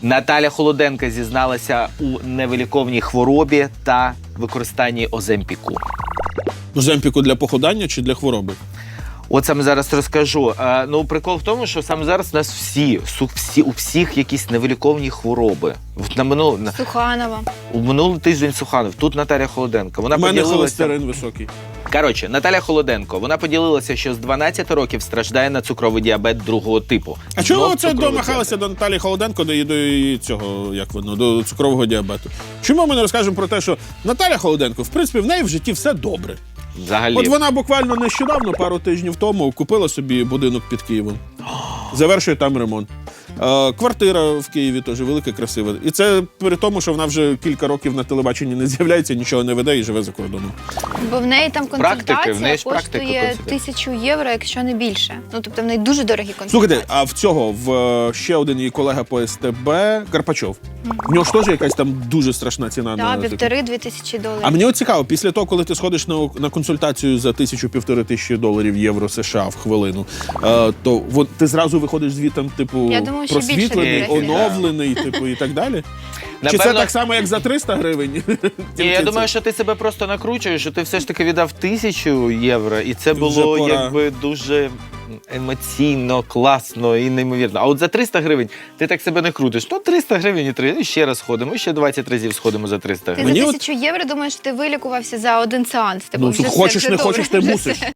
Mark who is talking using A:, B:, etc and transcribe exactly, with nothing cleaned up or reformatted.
A: Наталя Холоденко зізналася у невиліковній хворобі та використанні Оземпіку.
B: Оземпіку для похудання чи для хвороби?
A: От саме зараз розкажу. А, ну, прикол в тому, що саме зараз у нас всі, су- всі у всіх якісь невиліковні хвороби. В- На минул, на,
C: Суханова.
A: у минулий тиждень Суханов, тут Наталя Холоденко. Вона
B: У мене
A: поділилася.
B: холестерин високий.
A: Коротше, Наталя Холоденко, вона поділилася, що з дванадцяти років страждає на цукровий діабет другого типу.
B: А чого
A: Знов
B: це
A: цукровий
B: домахалася до Наталі Холоденко, до, до її цього, як воно, до цукрового діабету? Чому ми не розкажемо про те, що Наталя Холоденко, в принципі, в неї в житті все добре.
A: діабет. Взагалі.
B: От вона буквально нещодавно, пару тижнів тому, купила собі будинок під Києвом. Завершує там ремонт. Е, квартира в Києві теж велика, красива. І це при тому, що вона вже кілька років на телебаченні не з'являється, нічого не веде і живе за кордоном.
C: Бо в неї там
A: Практики, в
C: консультація
A: неї ж практика
C: коштує
A: консультація.
C: тисячу євро, якщо не більше. Ну, тобто в неї дуже дорогі консультації.
B: Слухайте, а в цього, в е, ще один її колега по СТБ, Карпачов. В нього ж теж якась там дуже страшна ціна.
C: Так,
B: на таку.
C: півтори-дві тисячі доларів.
B: А мені от цікаво, після того, коли ти сходиш на, на консультацію за тисячу-півтори тисячі доларів євро США в хвилину, е, то от, ти зразу виходиш звітом, типу,
C: Я думаю, що більше
B: просвітлений,
C: буде.
B: оновлений, типу, і так далі? Чи це
A: Напевно-
B: так само, як за триста гривень?
A: Ні,
B: Тільки
A: я
B: це-
A: думаю, що ти себе просто накручуєш, що ти все ж таки віддав тисячу євро, і це
B: Вже
A: було
B: пора.
A: якби дуже емоційно, класно і неймовірно. А от за триста гривень ти так себе не крутиш. Ну, триста гривень і три, і ще раз сходимо, і ще двадцять разів сходимо за триста
C: Ти
A: гривень.
B: Мені
C: за
B: от-
C: тисячу євро думаєш, ти вилікувався за один сеанс. Типу,
B: Ну,
C: вже все-
B: хочеш,
C: все
B: не
C: добре,
B: хочеш, ти
C: вже
B: мусиш.
C: все.